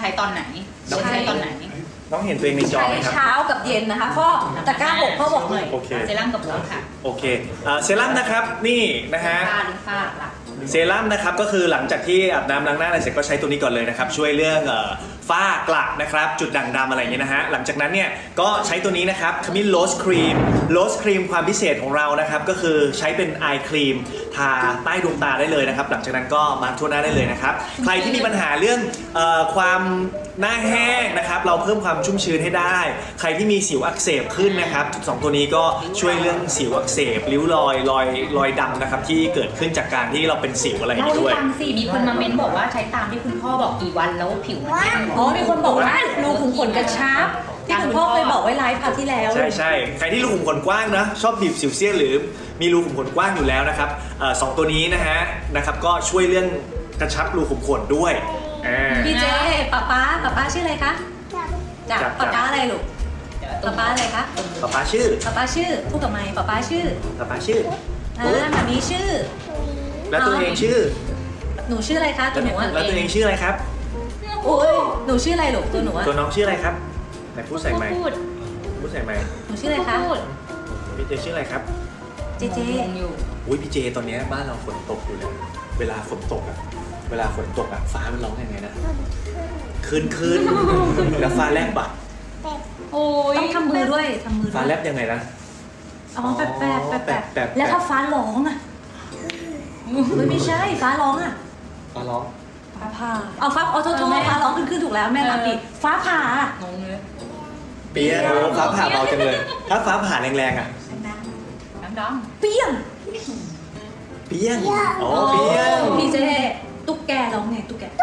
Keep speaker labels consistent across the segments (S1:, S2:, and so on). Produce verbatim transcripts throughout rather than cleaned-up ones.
S1: ช้ตอนไหนต้องใช้ตอนไหน
S2: น้องเห็นตัวเองในจอไหมครับ
S3: เช้ากับเย็นนะคะพ่อตะกร้าบอกพ่อบอกหน่อย
S2: โอเค
S1: เซรั่มกับโค้ดค่ะ
S2: โอเคเซรั่มนะครับนี่นะฮะ
S1: ฝ้าลิฟ้าหลัก
S2: เซรั่มนะครับก็คือหลังจากที่อาบน้ำล้างหน้าอะไรเสร็จก็ใช้ตัวนี้ก่อนเลยนะครับช่วยเรื่องฝ้ากระนะครับจุดด่างดำอะไรเงี้ยนะฮะหลังจากนั้นเนี่ยก็ใช้ตัวนี้นะครับขมิ้นโรสครีมโรสครีมความพิเศษของเรานะครับก็คือใช้เป็นไอครีมทาใต้ดวงตาได้เลยนะครับหลังจากนั้นก็มาทั่วหน้าได้เลยนะครับใครที่มีปัญหาเรื่องเอ่อความหน้าแห้งนะครับเราเพิ่มความชุ่มชื้นให้ได้ใครที่มีสิวอักเสบขึ้นนะครับสองตัวนี้ก็ช่วยเรื่องสิวอักเสบริ้วรอยรอยรอยดำนะครับที่เกิดขึ้นจากการที่เราเป็นสิวอะไรอย่างนี้ด้วย
S1: เล่าให้ฟังสิมีคนมาเม้นบอกว่าใช้ตามที่คุณพ่อบอกกี่วันแล้วผิวมันแห้ง
S3: อ๋อมีคนบอกว่ารูขุมขนกระชับที่คุณพ่อเคยบอกไว้ไลฟ์คราวที่แล้ว
S2: ใช่ใช่ใครที่รูขุมขนกว้างนะชอบบีบสิวเซียนหรือมีรูขุมขนกว้างอยู่แล้วนะครับสองตัวนี้นะฮะนะครับก็ช่วยเรื่องกระชับรูขุมขนด้วย
S3: พี่เจป๊าป๊าป๊าป๊าชื่ออะไรคะจากป๊าป๊าอะไรลูกป๊าป๊าอะไรคะ
S2: ป๊าป๊าชื่อ
S3: ป๊าป๊าชื่อพูดกับไมค์ป๊าป๊าชื่อ
S2: ป๊าป๊าชื่อ
S3: อ่าแบบนี้ชื่อ
S2: แล้วตัวเองชื่อ
S3: หนูชื่ออะไรคะตัวหนู
S2: แล้วตัวเองชื่ออะไรครับ
S3: โอ้ยหนูชื่ออะไรลูกตัวหนูอะ
S2: ตัวน้องชื่ออะไรครับไหนพูดใส่ไมค์พูดใส่ไมค์
S3: หนูชื่ออะไรคะ
S2: พี่เจชื่ออะไรครับ
S3: เจเจ
S1: อยู่
S2: อุ้ยพี่เจตอนนี้บ้านเราฝนตกอยู่เลยเวลาฝนตกอะเวลาฝนตกอะฟ้ามันร้องยังไงนะคืนคืนแล้วฟ้าแลบปะ
S3: โอ้ยต้องทำมือด้วยทำมือ
S2: ฟ้าแลบยังไงนะ
S3: อ๋อแปบแปบแปบแปบแล้วถ้าฟ้าร้องอะไม่ใช่ฟ้าร้องอะ
S2: ฟ้าร้อง
S3: ฟ้าผ่าเอาฟ้าออโต้โทฟ้าร้องขึ้นขึ้นถูกแล้วแม่รับดิฟ้าผ่าง
S1: งเลย
S2: เปี้ยโอ้ฟ้าผ่าเบาจังเลยถ้าฟ้าผ่าแรงๆอะ
S1: ดัง
S3: เปี้ยง
S2: เปี้ยงอ๋อเปี้ยง
S3: พี่เจตุ๊กแกร้องไงตุ๊กแก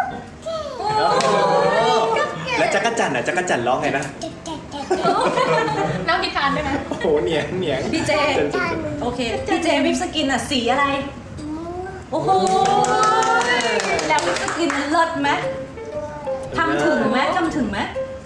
S2: แล้วจักรจั่นอ่ะจักรจั่นร้องไงนะ
S1: น้ำพิธานได้ไหม
S2: โอ้โหเหนียงเหนียง
S3: พี่เจโอเคพี่เจวิปสกินอ่ะสีอะไรโอ้โหแล้ววิปสกินมันเลิศไหมทำถึงไหมทำถึงไหม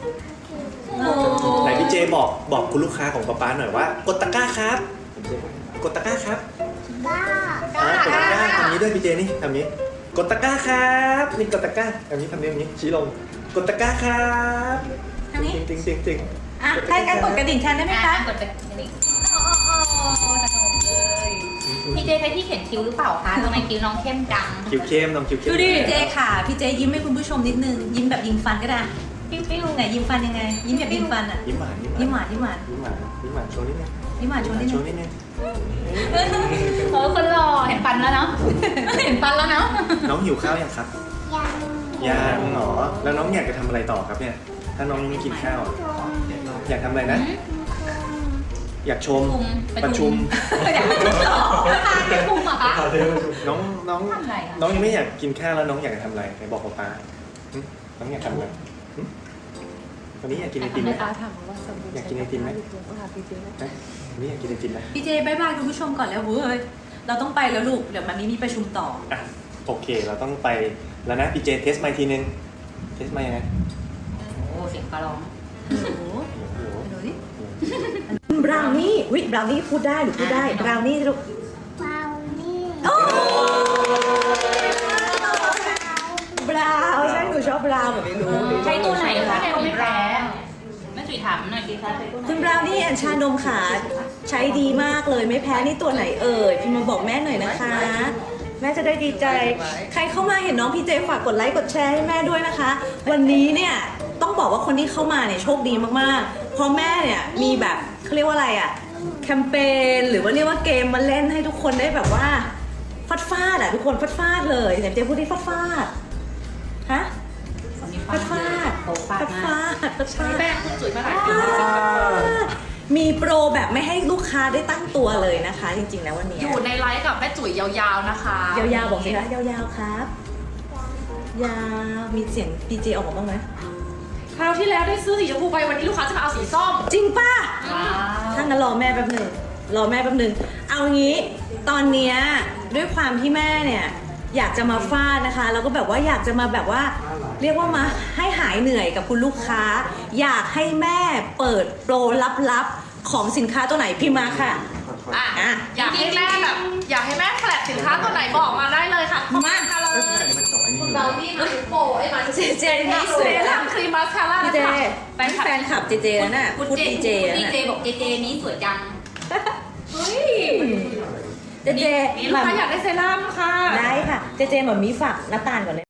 S2: ไหนพี่เจบอกบอกคุณลูกค้าของป๊าป๊าหน่อยว่ากดตะกร้าครับกดตะกร้าครับ
S4: บ้าก
S2: ดตะกร้าทำนี้ด้วยพี่เจนี่ทำนี้กดตะกร้าครับนี่กดตะกร้าทำนี้ทำนี้ทำนี้ชี้ลงกดตะกร้าครับ
S3: ทำนี้
S2: จริงจริงจริง
S3: อ่ะใครกันกดกระดิ่งแทนได้ไหมคะ
S1: กดกระดิ่งโอ้โหสนุกเลยพี่เจใช้ที่เขียนคิ้วหรือเปล่าคะทำไมคิ้วน้องเข้มจัง
S2: คิ้วเข้มน้องคิ้วเข้ม
S3: ดูดิพี่เจค่ะพี่เจยิ้มให้คุณผู้ชมนิดนึงยิ้มแบบยิงฟันก็ได้
S1: ปิ้วปิ้ว
S3: ไหนยิ้มฟันยังไงยิ้มแบบยิงฟันอ่ะ
S2: ยิ้มหวาน
S3: ยิ้มหวานยิ้มหวาน
S2: ยิ้มหวานยิ้มหวานโชว์นิดนึง
S3: ยิ้มหวานโชว์นิด
S2: นึง
S1: โอ้คนหล่อเห็นฟันแล้วเนาะเห็นฟันแล้วเนาะ
S2: น้องหิวข้าวยังครับยังหรอแล้วน้องอยากจะทำอะไรต่อครับเนี่ยถ้าน้องไม่กินข้าวอยากทำอะไรนะอยากชมประชุม
S1: อยากประชุมต่อประชุมเหรอคะ
S2: น้องน้องน้องยังไม่อยากกินข้าวแล้วน้องอยากจะทำอะไรไหนบอกป๊าน้องอยากทำอะไรวันนี้อยากกินไอติมไหมอยากกินไอติมไหมวันนี้อยากกินไอติมไหม
S3: พี่เจบายบายคุณผู้ชมก่อนแล้วเว้ยเราต้องไปแล้วลูกเดี๋ยวมันนี้มีประชุมต่อ
S2: อ่ะโอเคเราต้องไปแล้วนะพี่เจเทสไมค์ทีนึงเทสไมค์ยังไง
S1: โอ้เสียงฟ้าร้อง
S3: โอ้โหดูดิบราวนี่วิบราวนี่พูดได้หรือพูดได้บราวนี่ลูก
S4: บราวนี่
S3: บราวใช่หนูชอบบราวแบบไม่รู้
S1: ใช้ตัวไหนคะแนวไม่แพ้แม่จุ๋ยถามหน่อยสิคะใช้ตัวไหน
S3: คุณบราวนี่แอนชานมขาใช้ดีมากเลยไม่แพ้นี่ตัวไหนเอ่ยพี่มาบอกแม่หน่อยนะคะแม่จะได้ดีใจใครเข้ามาเห็นน้องพี่เจฝากกดไลค์กดแชร์ให้แม่ด้วยนะคะวันนี้เนี่ยต้องบอกว่าคนที่เข้ามาเนี่ยโชคดีมากๆเพราะแม่เนี่ยมีแบบเขาเรียกว่าอะไรอะแคมเปญหรือว่าเรียกว่าเกมมาเล่นให้ทุกคนได้แบบว่าฟาดฟาดอะทุกคนฟาดฟาดเลยเดี๋ยวเจพูดที่ฟาดฟาดฮะฟาดฟาดฟาดฟาดฟาดฟาด
S1: แป้งคุณจุ๋ยมาหลายปี
S3: มีโปรแบบไม่ให้ลูกค้าได้ตั้งตัวเลยนะคะจริงๆแล้ววันนี้
S1: อยู่ในไลฟ์กับแม่จุ๋ยยาวๆนะคะ
S3: ยาวๆบอกสิคะยาวๆครับยาวมีเสียงดีเจออกมาบ้างไหม
S1: คราวที่แล้วได้ซื้อสีชมพูไปวันนี้ลูกค้าจะมาเอาสีส้ม
S3: จริงป่ะถ้างั้นรอแม่แป๊บหนึ่งรอแม่แป๊บหนึ่งเอางี้ตอนเนี้ยด้วยความที่แม่เนี่ยอยากจะมาฟาดนะคะแล้วก็แบบว่าอยากจะมาแบบว่าเรียกว่ามาให้หายเหนื่อยกับคุณลูกค้าอยากให้แม่เปิดโปรลับๆของสินค้าตัวไหนพิมพ์มาค่ะ
S1: อ่ะอยากให้แม่แบบอยากให้แม่แฟลชสินค้าตัวไหนบอกมาได้เลยค่ะ
S3: มา
S1: เลยเบลลี่มาทุกโปไอ้มาทุก
S3: เจเจนี่สวย
S1: ทำครีมมาสคาร่า
S3: พี่เจ
S1: แฟนคลับ
S3: แฟนคลับเจเจแล้วน่ะ
S1: คุณ
S3: พูด
S1: เจ
S3: ดีเจ
S1: คุณ
S3: แล้ว
S1: ดี
S3: น่ะ
S1: เจบอกเจเจนี้สวยจังเฮ้ย
S3: เจเจ
S1: นี่ลูกค้าอยากได้เซรั่มค่ะ
S3: ได้ค่ะ เจเจเหมือนมีฝากน้ำตาลก่อนเลย